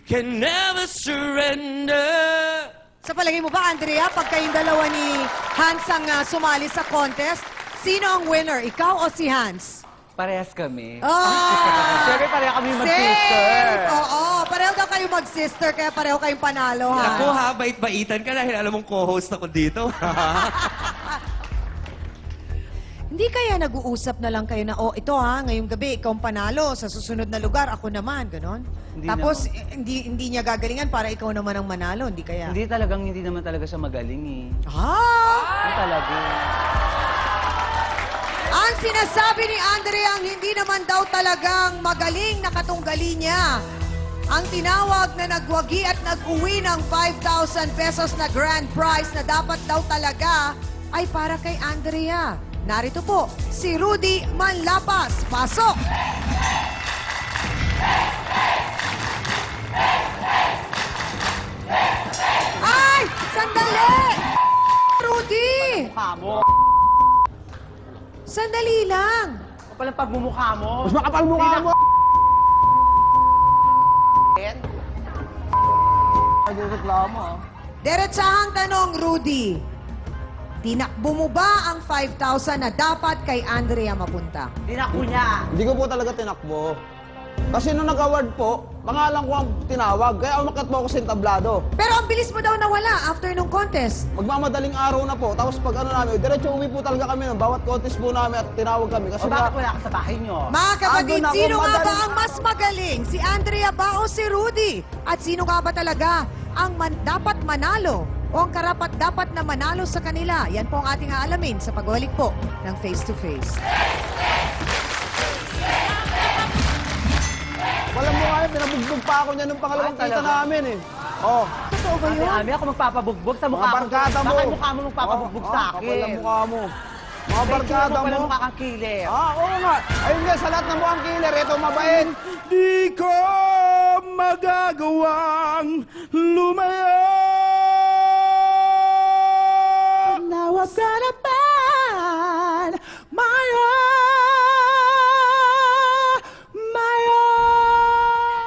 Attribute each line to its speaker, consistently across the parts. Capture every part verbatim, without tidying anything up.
Speaker 1: can never surrender.
Speaker 2: Sa palagay mo ba, Andrea, pag kayong dalawa ni Hans ang ah, sumali sa contest, sino ang winner? Ikaw o si Hans?
Speaker 3: Parehas kami.
Speaker 2: Oh!
Speaker 3: Siyempre, pareho kami mag-sister.
Speaker 2: Oo, pareho daw kayo mag-sister, kaya pareho kayong panalo, ha?
Speaker 1: Ako ha, bait-baitan ka dahil alam mong co-host ako dito.
Speaker 2: Hindi kaya nag-uusap na lang kayo na, oh, ito ha, ngayong gabi, ikaw ang panalo, sa susunod na lugar, ako naman, ganon?
Speaker 3: Hindi
Speaker 2: Tapos,
Speaker 3: naman.
Speaker 2: eh, hindi, hindi niya gagalingan para ikaw naman ang manalo, hindi kaya?
Speaker 3: Hindi talagang, hindi naman talaga siya magaling eh.
Speaker 2: Ah!
Speaker 3: Hindi talaga.
Speaker 2: Ang sinasabi ni Andrea ang hindi naman daw talagang magaling na katunggali niya. Ang tinawag na nagwagi at nag-uwi ng five thousand pesos na grand prize na dapat daw talaga ay para kay Andrea. Narito po, si Rudy Manlapas. Pasok! Ay! Sandali! Rudy!
Speaker 3: Mukha mo.
Speaker 2: Sandali lang.
Speaker 3: Kapal ang pagmumukha mo.
Speaker 4: Mas makapal mukha mo! Nagreklamo, ah.
Speaker 2: Diretsahang tanong, Rudy. Tinakbo mo ba ang five thousand na dapat kay Andrea mapunta?
Speaker 3: Tinakbo niya.
Speaker 4: Hindi ko po talaga tinakbo. Kasi nung nag-award po, pangalan ko ang tinawag. Kaya umakyat po ako sa entablado.
Speaker 2: Pero ang bilis mo daw nawala after nung contest.
Speaker 4: Magmamadaling araw na po. Tapos pag ano namin, diretso uwi po talaga kami ng bawat contest po namin at tinawag kami. Kasi
Speaker 3: O bakit
Speaker 4: nga,
Speaker 3: wala ka sa bahay niyo?
Speaker 2: Mga kapatid,
Speaker 4: Andun ako,
Speaker 2: sino nga ba
Speaker 4: madali-
Speaker 2: ang mas magaling? Si Andrea ba o si Rudy? At sino nga ba talaga ang man- dapat manalo o ang karapat dapat na manalo sa kanila? Yan po ang ating aalamin sa pagbalik po ng Face to Face.
Speaker 4: walang mukha yun. Pinabugbog pa ako niya nung pangalawang
Speaker 3: Ay,
Speaker 4: kita
Speaker 3: talaga?
Speaker 4: namin eh. Oh.
Speaker 2: Totoo ba
Speaker 3: Ate
Speaker 2: yun?
Speaker 3: Ami, ako magpapabugbog sa
Speaker 4: Mga
Speaker 3: mukha ko.
Speaker 4: barkada mo.
Speaker 3: Baka yung mukha mo magpapabugbog
Speaker 4: Oh,
Speaker 3: sa
Speaker 4: oh,
Speaker 3: akin.
Speaker 4: kapal ang mukha mo. Mga
Speaker 3: May
Speaker 4: barkada
Speaker 3: tsura pala
Speaker 4: mo.
Speaker 3: mukha kang kilir.
Speaker 4: Ah, oo nga. Ayun nga, sa lahat ng mukhang killer, ito mabait.
Speaker 5: Di ko magagawang lumayo. Now I've got to find my own, my own.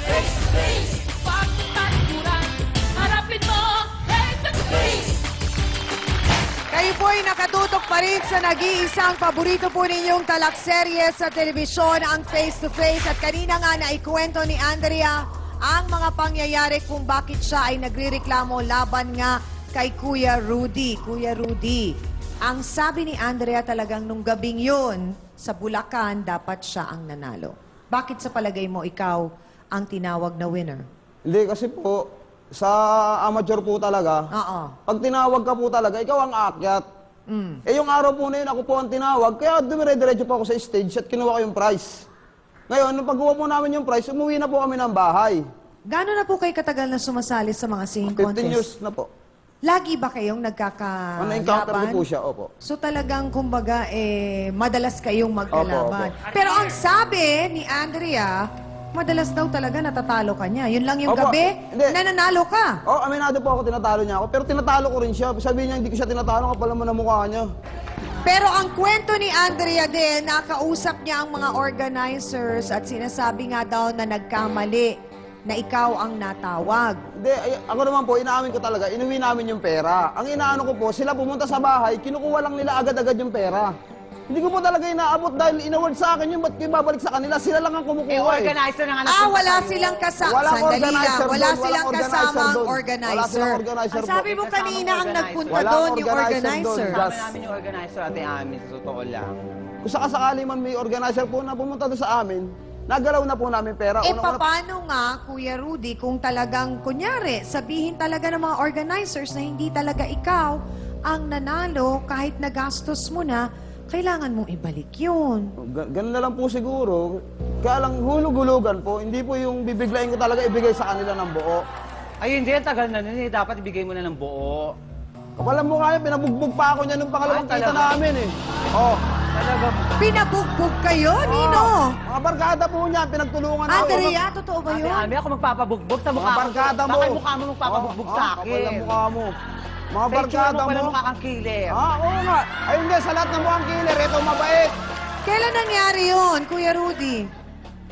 Speaker 2: Kayo po ay nakatutok pa rin sa nag-iisang paborito po ninyong talakserye sa telebisyon, ang Face to Face. At kanina nga naikwento ni Andrea ang mga pangyayari kung bakit siya ay nagrireklamo laban nga kay Kuya Rudy. Kuya Rudy, ang sabi ni Andrea talagang nung gabing yun, sa Bulacan, dapat siya ang nanalo. Bakit sa palagay mo ikaw ang tinawag na winner?
Speaker 4: Hindi, kasi po, sa amateur po talaga,
Speaker 2: Oo.
Speaker 4: pag tinawag ka po talaga, ikaw ang aakyat.
Speaker 2: Mm.
Speaker 4: Eh yung araw po na yun, ako po ang tinawag, kaya dumire-diretso po ako sa stage at kinuha ko yung prize. Ngayon, nung pagkuha po namin yung prize, umuwi na po kami ng bahay.
Speaker 2: Gano'n na po kayo katagal na sumasali sa mga singing
Speaker 4: fifteen
Speaker 2: contest?
Speaker 4: years na po.
Speaker 2: Lagi ba kayong nagkakalaban?
Speaker 4: Ano, encounter ko po siya, opo.
Speaker 2: So talagang, kumbaga, eh, madalas kayong magkalaban.
Speaker 4: Opo,
Speaker 2: Pero ang sabi ni Andrea, madalas daw talaga natatalo ka niya. Yun lang yung
Speaker 4: Opo,
Speaker 2: gabi
Speaker 4: hindi.
Speaker 2: na nanalo ka.
Speaker 4: Oh, aminado po ako, tinatalo niya ako. Pero tinatalo ko rin siya. Sabi niya, hindi ko siya tinatalo, kapal naman ang mukha niya.
Speaker 2: Pero ang kwento ni Andrea din, nakausap niya ang mga organizers at sinasabi nga daw na nagkamali na ikaw ang natawag.
Speaker 4: Hindi, ay, ako naman po, inaamin ko talaga, inuwi namin yung pera. Ang inaano ko po, sila pumunta sa bahay, kinukuha lang nila agad-agad yung pera. Hindi ko po talaga inaabot dahil inaward sa akin yung ba't ko ibabalik sa kanila? Sila lang ang
Speaker 3: Eh,
Speaker 4: kumukuha eh.
Speaker 3: organizer na nga
Speaker 2: Ah,
Speaker 3: nagpunta
Speaker 2: wala
Speaker 3: sa'yo.
Speaker 2: silang kasama.
Speaker 4: Walang
Speaker 2: Sandali
Speaker 4: organizer
Speaker 2: lang. Wala
Speaker 4: doon, walang
Speaker 2: silang
Speaker 4: organizer
Speaker 2: kasamang
Speaker 4: doon. Wala
Speaker 2: organizer.
Speaker 4: silang organizer
Speaker 2: Ang
Speaker 4: po.
Speaker 2: sabi mo
Speaker 3: May
Speaker 2: kanina
Speaker 3: kasamang
Speaker 2: ang
Speaker 3: organizer.
Speaker 2: nagpunta
Speaker 4: Walang
Speaker 2: doon, yung
Speaker 4: organizer
Speaker 2: organizer.
Speaker 4: doon.
Speaker 3: Kasama namin yung organizer, Ate Ami, sa totoo lang.
Speaker 4: Kung sakasakali man may organizer po na pumunta doon sa amin, nagalaw na po namin pera.
Speaker 2: Eh,
Speaker 4: Unang-una-
Speaker 2: paano nga, Kuya Rudy, kung talagang, kunyari, sabihin talaga ng mga organizers na hindi talaga ikaw ang nanalo kahit nagastos mo na, kailangan mong ibalik yun.
Speaker 4: Ga- Ganun na lang po siguro. Kaya lang hulug-hulugan po, hindi po yung bibiglayin ko talaga ibigay sa kanila ng buo.
Speaker 3: Ay, hindi. Ang tagal na nun eh. Dapat ibigay mo na ng buo.
Speaker 4: Kapal mo kaya, pinabugbog pa ako niya nung pangalawang
Speaker 3: Ay,
Speaker 4: kita
Speaker 3: talaga?
Speaker 4: namin eh. Oh.
Speaker 3: Talaga.
Speaker 2: Pinabugbog kayo, Nino?
Speaker 4: Mga barkada po niya, pinagtulungan ako.
Speaker 2: Andrea, totoo ba
Speaker 3: Ate
Speaker 2: yun?
Speaker 3: Ami, ako magpapabugbog sa mukha
Speaker 4: Mga
Speaker 3: ko.
Speaker 4: barkada mo.
Speaker 3: Baka yung mukha mo magpapabugbog
Speaker 4: Oh,
Speaker 3: sa
Speaker 4: oh,
Speaker 3: akin.
Speaker 4: kapal ang mukha mo. Mga
Speaker 3: Sa itsura
Speaker 4: barkada
Speaker 3: mo pala
Speaker 4: mo.
Speaker 3: mukha kang kilir.
Speaker 4: Ah, oo nga. Ayun nga, sa lahat ng mukhang killer, ito mabait.
Speaker 2: Kailan nangyari yun, Kuya Rudy?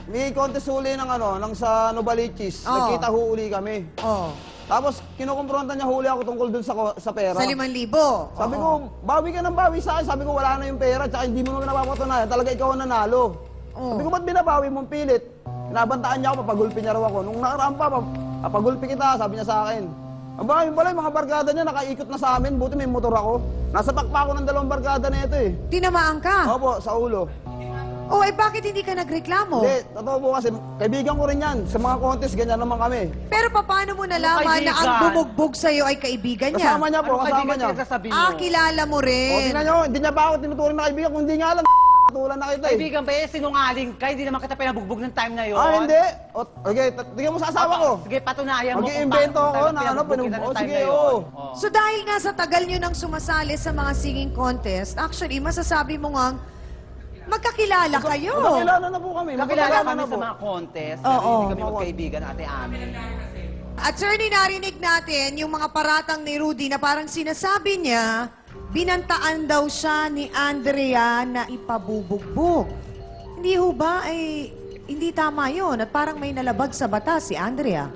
Speaker 4: may contest uli ng ano, ng sa Novaliches.
Speaker 2: Oo.
Speaker 4: Nagkita ho uli kami.
Speaker 2: Oh.
Speaker 4: Tapos, kinukumpronta niya huli ako tungkol dun sa, ko- sa pera.
Speaker 2: Sa limang libo.
Speaker 4: Sabi
Speaker 2: Oo.
Speaker 4: ko, bawi ka ng bawi sa akin. Sabi ko, wala na yung pera. Tsaka hindi mo naman napapatunayan. Talaga ikaw ang nanalo.
Speaker 2: Oo.
Speaker 4: Sabi ko, ba't binabawi mong pilit? Pinabantaan niya ako, papagulpi niya raw ako. Nung nakaraan pa, pap- papagulpi kita, sabi niya sa akin. Aba, yun pala, yung mga barkada niya, nakaikot na sa amin. Buti may motor ako. Nasa pakpa ako ng dalawang barkada na ito eh.
Speaker 2: Tinamaan ka.
Speaker 4: Opo, sa ulo.
Speaker 2: Oh, eh bakit hindi ka nagreklamo?
Speaker 4: Hindi, totoo po kasi, kaibigan ko rin yan. Sa mga contest, ganyan naman kami.
Speaker 2: Pero paano mo nalaman na ang
Speaker 3: kaibigan?
Speaker 2: bumugbog sa'yo ay kaibigan niya?
Speaker 4: Kasama niya po,
Speaker 3: Anong
Speaker 4: kasama
Speaker 3: kaibigan
Speaker 4: niya.
Speaker 3: pinagsasabi mo?
Speaker 2: Ah, kilala mo
Speaker 4: O,
Speaker 2: rin.
Speaker 4: tingnan nyo, hindi niya ba ako tinuturing na kaibigan, kung hindi nga alam, tulan na kita eh.
Speaker 3: Kaibigan ba eh, sinungaling ka? Hindi naman kita pinabugbog ng time na yun.
Speaker 4: Ah, hindi. O, okay, t- tingnan mo sa asawa ko.
Speaker 3: Sige, patunayan mo. kung
Speaker 4: Mag-iimbento
Speaker 3: paano-
Speaker 4: ako
Speaker 3: kung
Speaker 4: na
Speaker 3: tayo
Speaker 4: ano,
Speaker 3: pinabugbog kita
Speaker 4: pinag-
Speaker 3: ng
Speaker 4: o,
Speaker 3: time
Speaker 4: sige,
Speaker 3: na yun.
Speaker 4: oo.
Speaker 3: Oo.
Speaker 2: So dahil nga sa tagal nyo nang sumasali sa mga singing contest, actually, masasabi mo nga, magkakilala kayo.
Speaker 4: Magkakilala na po kami.
Speaker 3: Kakilala
Speaker 4: magkakilala
Speaker 3: kami
Speaker 4: na
Speaker 3: sa
Speaker 4: po.
Speaker 3: mga contest.
Speaker 2: Oo.
Speaker 3: pero Hindi kami
Speaker 4: Oo.
Speaker 3: magkaibigan, ate Ami.
Speaker 2: Attorney, narinig natin yung mga paratang ni Rudy na parang sinasabi niya, binantaan daw siya ni Andrea na ipabubugbog. Hindi ho ba ay hindi tama yon at parang may nalabag sa batas si Andrea?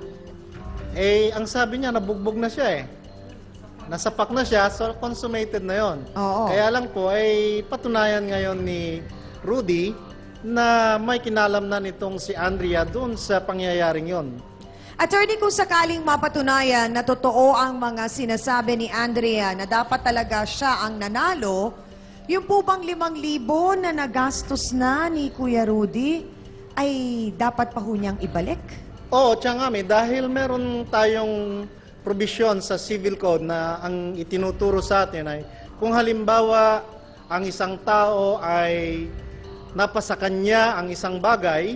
Speaker 6: Eh, ang sabi niya, nabugbog na siya eh. Nasapak na siya, so consummated na yon.
Speaker 2: Oo.
Speaker 6: Kaya lang po, ay patunayan ngayon ni Rudy na may kinalam na nitong si Andrea doon sa pangyayaring yon.
Speaker 2: Attorney, kung sakaling mapatunayan na totoo ang mga sinasabi ni Andrea na dapat talaga siya ang nanalo, yung po bang limang libo na nagastos na ni Kuya Rudy ay dapat pa ho niyang ibalik?
Speaker 6: Oo, Tiyangami, dahil meron tayong provision sa civil code na ang itinuturo sa atin ay kung halimbawa ang isang tao ay napasa kanya ang isang bagay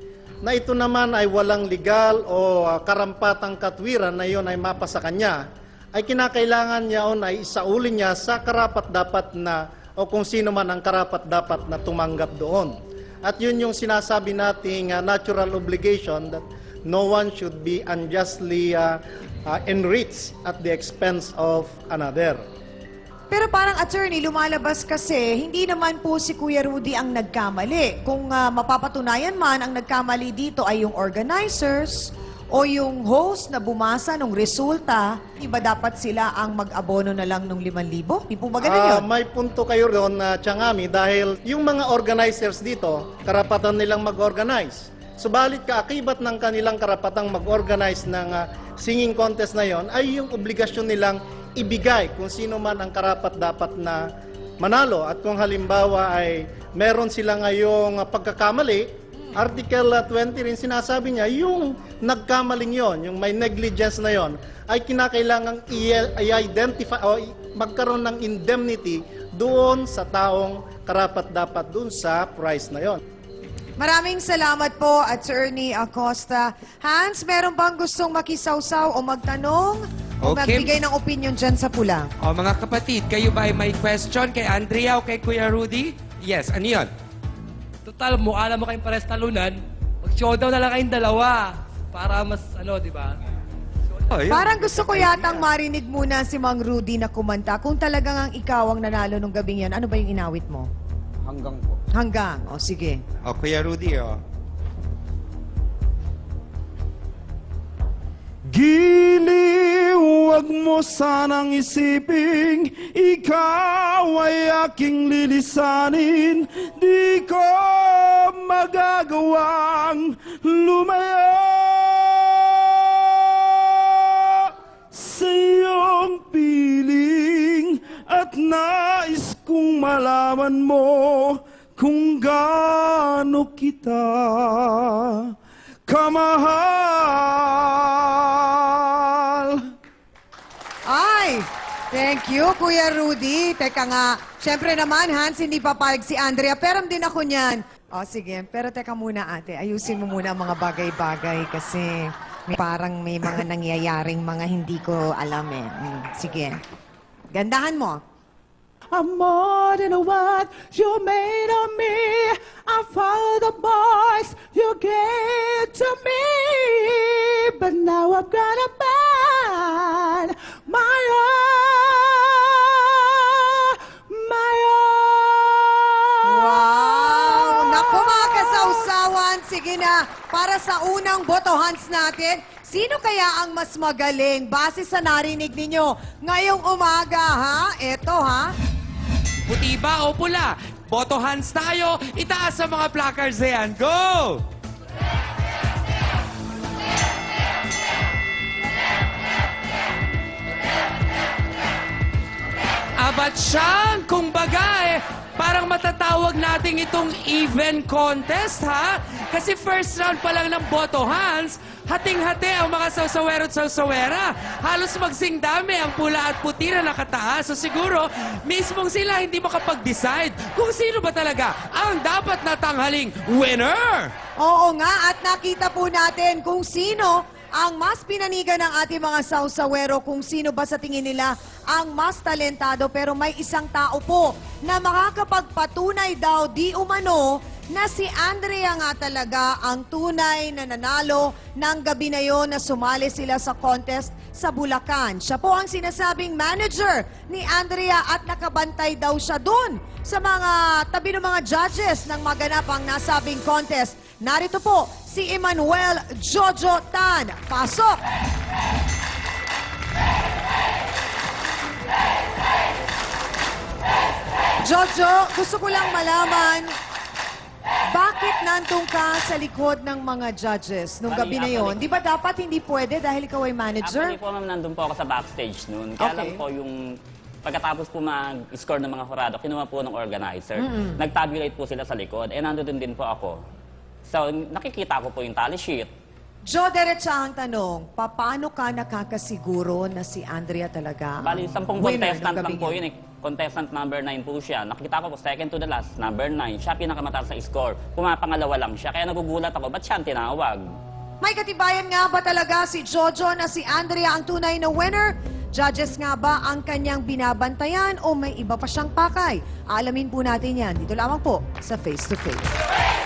Speaker 6: na ito naman ay walang legal o uh, karampatang katwiran na iyon ay mapasa kanya, ay kinakailangan niya on ay isaulin niya sa karapat-dapat na o kung sino man ang karapat-dapat na tumanggap doon. At yun yung sinasabi nating uh, natural obligation that no one should be unjustly uh, uh, enriched at the expense of another.
Speaker 2: Pero parang attorney, lumalabas kasi, hindi naman po si Kuya Rudy ang nagkamali. Kung ah, mapapatunayan man, ang nagkamali dito ay yung organizers o yung host na bumasa ng resulta, iba dapat sila ang mag-abono na lang ng limang libo? Di po ba ganun
Speaker 6: Ah,
Speaker 2: yun?
Speaker 6: may punto kayo doon na Tiyangami dahil yung mga organizers dito, karapatan nilang mag-organize. Subalit kaakibat ng kanilang karapatang mag-organize ng ah, singing contest na yon ay yung obligasyon nilang ibigay kung sino man ang karapat-dapat na manalo. At kung halimbawa ay meron sila ngayong ah, pagkakamali, Article ah, twenty rin sinasabi niya, yung nagkamaling yon, yung may negligence na yon, ay kinakailangang i- i-identify o i- magkaroon ng indemnity doon sa taong karapat-dapat doon sa prize na yon.
Speaker 2: Maraming salamat po, Attorney Acosta. Hans, meron bang gustong makisawsaw o magtanong o
Speaker 1: Okay.
Speaker 2: magbigay ng opinion dyan sa pula?
Speaker 1: O mga kapatid, kayo ba ay may question kay Andrea o kay Kuya Rudy? Yes, ano yun?
Speaker 7: Total, mukha naman kayong pares talunan. Mag-showdown na lang kayong dalawa. Para mas, ano, di ba?
Speaker 1: Oh, yun.
Speaker 2: Parang gusto ko yatang marinig muna si Mang Rudy na kumanta. Kung talagang ang ikaw ang nanalo nung gabing yan, ano ba yung inawit mo?
Speaker 4: Hanggang po.
Speaker 2: Hanggang. O, sige.
Speaker 1: O, Kuya Rudy, o.
Speaker 5: Giliw, huwag mo sanang isiping ikaw ay aking lilisanin. Di ko magagawang lumaya sa iyong piling at nais kong malaman mo kung gaano kita kamahal.
Speaker 2: Ay, thank you, Kuya Rudy. Teka nga, syempre naman, Hans, hindi papayag si Andrea. Pero din ako niyan. O, sige. Pero teka muna, ate. Ayusin mo muna ang mga bagay-bagay kasi may, parang may mga nangyayaring mga hindi ko alam eh. Mm, sige. Gandahan mo.
Speaker 5: I'm more than what you made of me. I follow the boys you gave to me. But now I've got a man, my own, my own.
Speaker 2: Wow! Naku, mga kasawsawan. Sige na. para sa unang botohans natin. Sino kaya ang mas magaling base sa narinig ninyo ngayong umaga, ha? Eto, ha?
Speaker 1: Puti ba o pula? Botohans tayo. Itaas sa mga placards na yan. Go! Abat siyang, kumbaga eh, parang matatawag natin itong even contest, ha? Kasi first round pa lang ng botohans, hating-hati ang mga sawsawero at sawsawera. Halos magsingdami ang pula at puti na nakataas. So siguro, mismong sila hindi makapag-decide kung sino ba talaga ang dapat natanghaling winner.
Speaker 2: Oo nga, at nakita po natin kung sino ang mas pinanigan ng ating mga sawsawero, kung sino ba sa tingin nila ang mas talentado. Pero may isang tao po na makakapagpatunay daw di umano na si Andrea nga talaga ang tunay na nanalo ng gabi na yon na sumali sila sa contest sa Bulacan. Siya po ang sinasabing manager ni Andrea at nakabantay daw siya dun sa mga tabi ng mga judges ng maganap ang nasabing contest. Narito po si Emmanuel Jojo Tan. Pasok! Jojo, gusto ko lang malaman, bakit nandun ka sa likod ng mga judges nung gabi na yon? Di ba dapat hindi pwede dahil ikaw ay manager?
Speaker 8: Actually po, ma'am, nandun po ako sa backstage noon. Kaya
Speaker 2: Okay.
Speaker 8: lang po yung pagkatapos po mag-score ng mga hurado, kinuha po ng organizer. Nag-tabulate po sila sa likod. Eh, nandun din po ako. So, nakikita ko po yung tally sheet.
Speaker 2: Jo, diretsahang tanong, paano ka nakakasiguro na si Andrea talaga
Speaker 8: Bali,
Speaker 2: ang
Speaker 8: sampung
Speaker 2: winner
Speaker 8: contestant
Speaker 2: ng
Speaker 8: lang
Speaker 2: gabi
Speaker 8: po yun eh. Contestant number nine po siya. Nakita ko po, second to the last, number nine. Siya pinakamataas sa score. Pumapangalawa lang siya. Kaya nagugulat ako, ba't siya ang tinawag?
Speaker 2: May katibayan nga ba talaga si Jojo na si Andrea ang tunay na winner? Judges nga ba ang kanyang binabantayan o may iba pa siyang pakay? Alamin po natin yan dito lamang po sa Face to Face.